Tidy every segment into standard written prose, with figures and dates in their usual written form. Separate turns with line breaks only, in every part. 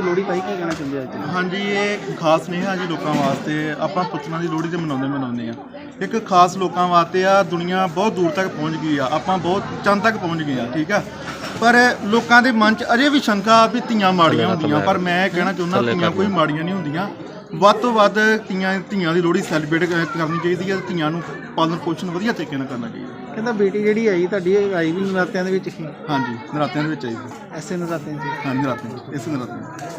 ਲੋਹੜੀ ਪਾਈ, ਕੀ ਕਹਿਣਾ ਚਾਹੁੰਦੇ ਅੱਜ?
हाँ जी, ये खास सुनेहा जी लोगों वास्ते। ਆਪਾਂ ਪੁੱਤਰਾਂ ਦੀ ਲੋਹੜੀ ਤੇ ਮਨਾਉਂਦੇ ਆ। ਇੱਕ ਖਾਸ ਲੋਕਾਂ ਵਾਸਤੇ ਆ। ਦੁਨੀਆ ਬਹੁਤ ਦੂਰ ਤੱਕ ਪਹੁੰਚ ਗਈ ਆ, ਆਪਾਂ ਬਹੁਤ ਚੰਦ ਤੱਕ ਪਹੁੰਚ ਗਏ ਆ, ਠੀਕ ਆ। ਪਰ ਲੋਕਾਂ ਦੇ ਮਨ 'ਚ ਅਜੇ ਵੀ ਸ਼ੰਕਾ ਵੀ ਧੀਆਂ ਮਾੜੀਆਂ ਹੁੰਦੀਆਂ, ਪਰ ਮੈਂ ਕਹਿਣਾ ਚਾਹੁੰਦਾ ਧੀਆਂ ਕੋਈ ਮਾੜੀਆਂ ਨਹੀਂ ਹੁੰਦੀਆਂ। ਵੱਧ ਤੋਂ ਵੱਧ ਧੀਆਂ ਦੀ ਲੋਹੜੀ ਸੈਲੀਬ੍ਰੇਟ ਕਰਨੀ ਚਾਹੀਦੀ ਹੈ। ਧੀਆਂ ਨੂੰ ਪਾਲਣ ਪੋਸ਼ਣ ਵਧੀਆ ਤਰੀਕੇ ਨਾਲ ਕਰਨਾ ਚਾਹੀਦਾ।
ਕਹਿੰਦਾ ਬੇਟੀ ਜਿਹੜੀ ਆਈ ਤੁਹਾਡੀ ਆਈ ਵੀ ਨਰਾਤਿਆਂ ਦੇ ਵਿੱਚ ਹੀ?
ਹਾਂਜੀ, ਨਰਾਤਿਆਂ ਦੇ ਵਿੱਚ ਆਈ ਸੀ।
ਐਸੇ ਨਰਾਤਿਆਂ 'ਚ?
ਹਾਂਜੀ, ਨਰਾਤਿਆਂ, ਇਸੇ ਨਰਾਤਿਆਂ।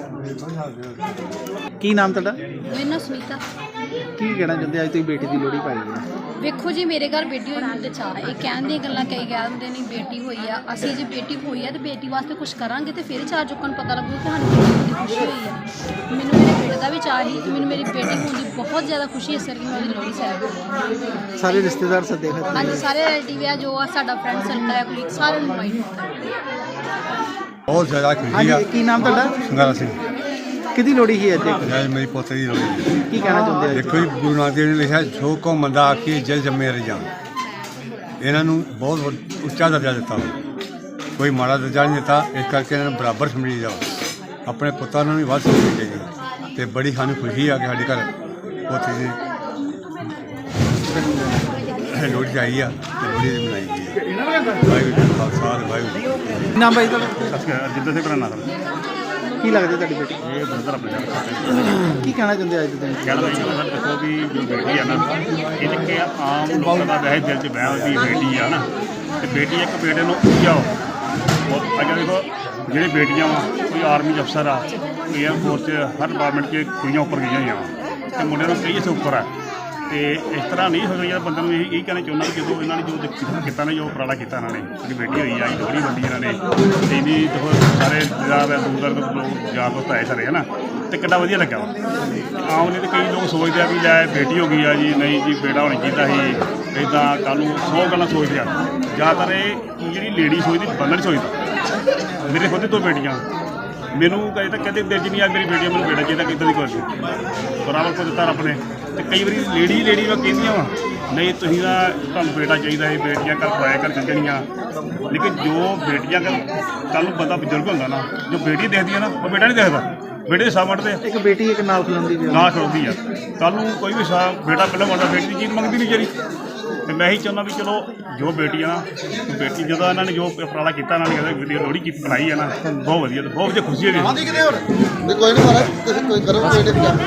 ਕੀ ਨਾਮ ਤੁਹਾਡਾ?
ਮੇਰਾ ਨਾਮ ਸੁਨੀਤਾ।
ਕੀ ਕਹਿਣਾ ਚਾਹੁੰਦੇ ਅੱਜ ਤੁਸੀਂ ਬੇਟੀ ਦੀ ਲੋਹੜੀ ਪਾਈ ਹੈ?
ਵੇਖੋ ਜੀ, ਮੇਰੇ ਘਰ ਬੇਟੀ ਹੋਣ ਦੇ ਚਾਅ। ਇਹ ਕਹਿਣ ਦੀਆਂ ਗੱਲਾਂ ਕਈ ਕਹਿ ਦਿੰਦੇ ਨੇ ਬੇਟੀ ਹੋਈ ਆ। ਅਸੀਂ ਜੇ ਬੇਟੀ ਹੋਈ ਆ ਤੇ ਬੇਟੀ ਵਾਸਤੇ ਕੁਝ ਕਰਾਂਗੇ ਤੇ ਫਿਰ ਚਾਰ ਲੋਕਾਂ ਨੂੰ ਪਤਾ ਲੱਗੂ ਕਿ ਸਾਨੂੰ ਬੇਟੀ ਦੀ ਖੁਸ਼ੀ ਹੋਈ ਆ। ਮੈਨੂੰ ਮੇਰੇ ਬੇਟੇ ਦਾ ਵੀ ਚਾਅ ਸੀ ਤੇ ਮੈਨੂੰ ਮੇਰੀ ਬੇਟੀ ਹੋਣ ਦੀ ਬਹੁਤ ਜ਼ਿਆਦਾ ਖੁਸ਼ੀ ਇਸ ਕਰਕੇ ਮੈਂ ਉਹਦੀ ਲੋਹੜੀ ਸੈਲੀਬ੍ਰੇਟ।
ਸਾਰੇ ਰਿਸ਼ਤੇਦਾਰ ਸੱਦੇ ਖਤ?
ਹਾਂਜੀ, ਸਾਰੇ ਰਿਲੇਟਿਵ ਆ ਜੋ ਆ ਸਾਡਾ ਫਰੈਂਡ ਸਰਕਲ ਆ, ਕੋਲੀਗ, ਸਾਰਿਆਂ ਨੂੰ ਇਨਵਾਈਟ ਕੀਤਾ।
ਬਹੁਤ ਜ਼ਿਆਦਾ ਖੁਸ਼ੀ ਆ।
ਹਾਂਜੀ, ਕੀ ਨਾਮ ਤੁਹਾਡਾ?
ਸੰਗਾਰਾ ਸਿੰਘ।
ਕਿਹਦੀ ਲੋਹੜੀ ਸੀ ਅੱਜ?
ਅੱਜ ਮੇਰੀ ਪੋਤੇ ਦੀ ਲੋਹੜੀ।
ਕੀ ਕਹਿਣਾ ਚਾਹੁੰਦੇ ਅੱਜ?
ਦੇਖੋ ਜੀ, ਗੁਰੂ ਨਾਨਕ ਦੇਵ ਨੇ ਲਿਖਿਆ ਜੋ ਕੋ ਮੰਦਾ ਆਖੀ ਜਲ ਜੰਮੇ ਰਜਾਨ। ਇਹਨਾਂ ਨੂੰ ਬਹੁਤ ਉੱਚਾ ਦਰਜਾ ਦਿੱਤਾ ਵਾ, ਕੋਈ ਮਾੜਾ ਦਰਜਾ ਨਹੀਂ ਦਿੱਤਾ। ਇਸ ਕਰਕੇ ਇਹਨਾਂ ਨੂੰ ਬਰਾਬਰ ਸਮਝੀ ਜਾਓ। ਆਪਣੇ ਪੁੱਤਾਂ ਨੂੰ ਵੀ ਵੱਧ ਸਮਝਣੀ ਚਾਹੀਦੀ। ਅਤੇ ਬੜੀ ਸਾਨੂੰ ਖੁਸ਼ੀ ਆ ਕਿ ਸਾਡੇ ਘਰ ਪੋਤੇ ਦੀ ਲੋਹੜੀ ਆਈ ਆ ਅਤੇ ਲੋਹੜੀ ਦੀ ਮਨਾਈ ਗਈ ਆ। ਵਾਹਿਗੁਰੂ ਜੀ ਕਾ ਖਾਲਸਾ, ਵਾਹਿਗੁਰੂ ਜੀ ਕੀ ਫਤਿਹ।
ਕੀ ਨਾਮ ਭਾਈ ਤੁਹਾਡਾ?
ਜਿੱਦਾਂ ਸੇ ਬਣਾਣਾ
ਕੀ ਲੱਗਦਾ ਤੁਹਾਡੀ ਬੇਟੀ?
ਇਹ ਬਰਦਰ ਆਪਣੇ ਨਾਲ
ਕੀ ਕਹਿਣਾ ਚਾਹੁੰਦੇ ਅੱਜ ਦੇ ਦਿਨ?
ਕਹਿਣਾ ਚਾਹੀਦਾ ਸਰ, ਦੇਖੋ ਵੀ ਜੋ ਬੇਟੀ ਆ ਨਾ, ਇਹ ਤਾਂ ਕਿ ਆਮ ਲੋਕਾਂ ਦਾ ਵੈਸੇ ਦਿਲ 'ਚ ਵਹਿਮ ਵੀ ਬੇਟੀ ਆ ਨਾ, ਤੇ ਬੇਟੀ ਇੱਕ ਬੇਟੇ ਨੂੰ ਉੱਚਾਓ। ਉਹ ਅੱਜ ਦੇਖੋ ਜਿਹੜੇ ਬੇਟੀਆਂ ਵਾ, ਕੋਈ ਆਰਮੀ 'ਚ ਅਫਸਰ ਆ, ਕੋਈ ਏਅਰਫੋਰਸ 'ਚ, ਹਰ ਡਿਪਾਰਟਮੈਂਟ 'ਚ ਕੁੜੀਆਂ ਉੱਪਰ ਗਈਆਂ ਹੋਈਆਂ ਵਾ, ਤੇ ਮੁੰਡਿਆਂ ਨੂੰ ਕਈ ਇੱਥੇ ਉੱਪਰ ਆ। ਤੇ ਇਸ ਤਰ੍ਹਾਂ ਨਹੀਂ ਹੋ ਰਿਹਾ। ਬੰਦੇ ਨੂੰ ਇਹ ਕਹਿਣਾ ਚਾਹੁੰਦਾ ਕਿ ਜਦੋਂ ਇਹਨਾਂ ਨੇ ਜੋ ਕੀਤਾ ਨਾ, ਜੋ ਉਪਰਾਲਾ ਕੀਤਾ ਇਹਨਾਂ ਨੇ, ਜਿਹੜੀ ਬੇਟੀ ਹੋਈ ਆ, ਲੋਹੜੀ ਵੱਡੀ ਇਹਨਾਂ ਨੇ, ਤੇ ਇਹਦੀ ਦੇਖੋ ਸਾਰੇ ਦੂਰ ਦੂਰ ਲੋਕ ਯਾਰ ਦੋਸਤ ਆਏ ਸਾਰੇ, ਹੈ ਨਾ, ਅਤੇ ਕਿੰਨਾ ਵਧੀਆ ਲੱਗਾ ਵਾ। ਆਮ ਨਹੀਂ ਤਾਂ ਕਈ ਲੋਕ ਸੋਚਦੇ ਆ ਵੀ ਲੈ ਬੇਟੀ ਹੋ ਗਈ ਆ ਜੀ, ਨਹੀਂ ਜੀ ਬੇਟਾ ਹੋਣਾ ਚਾਹੀਦਾ ਸੀ, ਇੱਦਾਂ ਕੱਲ੍ਹ ਨੂੰ 100 ਗੱਲਾਂ ਸੋਚਦੇ ਆ। ਜ਼ਿਆਦਾਤਰ ਇਹ ਜਿਹੜੀ ਲੇਡੀ ਸੋਚਦੀ, ਬੰਦਾ ਨਹੀਂ ਸੋਚਦਾ। ਮੇਰੇ ਖੁਦ 2 ਬੇਟੀਆਂ, ਮੈਨੂੰ ਕਦੇ ਤਾਂ ਕਹਿੰਦੇ ਦਿਲ 'ਚ ਨਹੀਂ ਆ ਮੇਰੀ ਬੇਟੀ, ਮੈਨੂੰ ਬੇਟਾ ਚਾਹੀਦਾ, ਕਿੱਦਾਂ ਦੀ ਕੋਈ ਬਰਾਬਰ ਕੋ ਦਿੱਤਾ ਰੱਬ ਨੇ। ਅਤੇ ਕਈ ਵਾਰੀ ਲੇਡੀ ਵਾ ਕਹਿੰਦੀਆਂ ਵਾ ਨਹੀਂ ਤੁਸੀਂ ਤਾਂ ਤੁਹਾਨੂੰ ਬੇਟਾ ਚਾਹੀਦਾ ਹੈ, ਬੇਟੀਆਂ ਘਰ ਪਰਾਇਆ ਕਰ ਚੱਲਣੀਆਂ। ਲੇਕਿਨ ਜੋ ਬੇਟੀਆਂ ਕੱਲ੍ਹ ਨੂੰ ਬੰਦਾ ਬਜ਼ੁਰਗ ਹੁੰਦਾ ਨਾ, ਜੋ ਬੇਟੀ ਦੇਖਦੀ ਆ ਨਾ, ਉਹ ਬੇਟਾ ਨਹੀਂ ਦੇਖਦਾ। ਬੇਟੇ ਦੇ ਸਾਹ ਵੱਢਦੇ ਆ।
ਇੱਕ ਬੇਟੀ ਇੱਕ ਨਾਲ ਖਲੋਂਦੀ ਵੀ
ਨਾ ਖੜੋਦੀ ਆ। ਕੱਲ੍ਹ ਨੂੰ ਕੋਈ ਵੀ ਸਾਹ ਬੇਟਾ ਪਹਿਲਾਂ ਮੰਗਦਾ, ਬੇਟੀ ਦੀ ਚੀਜ਼ ਮੰਗਦੀ ਨਹੀਂ ਜਿਹੜੀ। ਅਤੇ ਮੈਂ ਇਹੀ ਚਾਹੁੰਦਾ ਵੀ ਚਲੋ ਜੋ ਬੇਟੀਆਂ ਬੇਟੀ ਜਦੋਂ ਇਹਨਾਂ ਨੇ ਜੋ ਉਪਰਾਲਾ ਕੀਤਾ, ਇਹਨਾਂ ਨੇ ਕਹਿੰਦੇ ਲੋਹੜੀ ਕੀ ਬਣਾਈ ਹੈ ਨਾ, ਬਹੁਤ ਵਧੀਆ, ਬਹੁਤ ਵਧੀਆ ਖੁਸ਼ੀ ਹੋਈ।
ਕੋਈ ਨਹੀਂ, ਤੁਸੀਂ ਕੋਈ ਕਰੋ।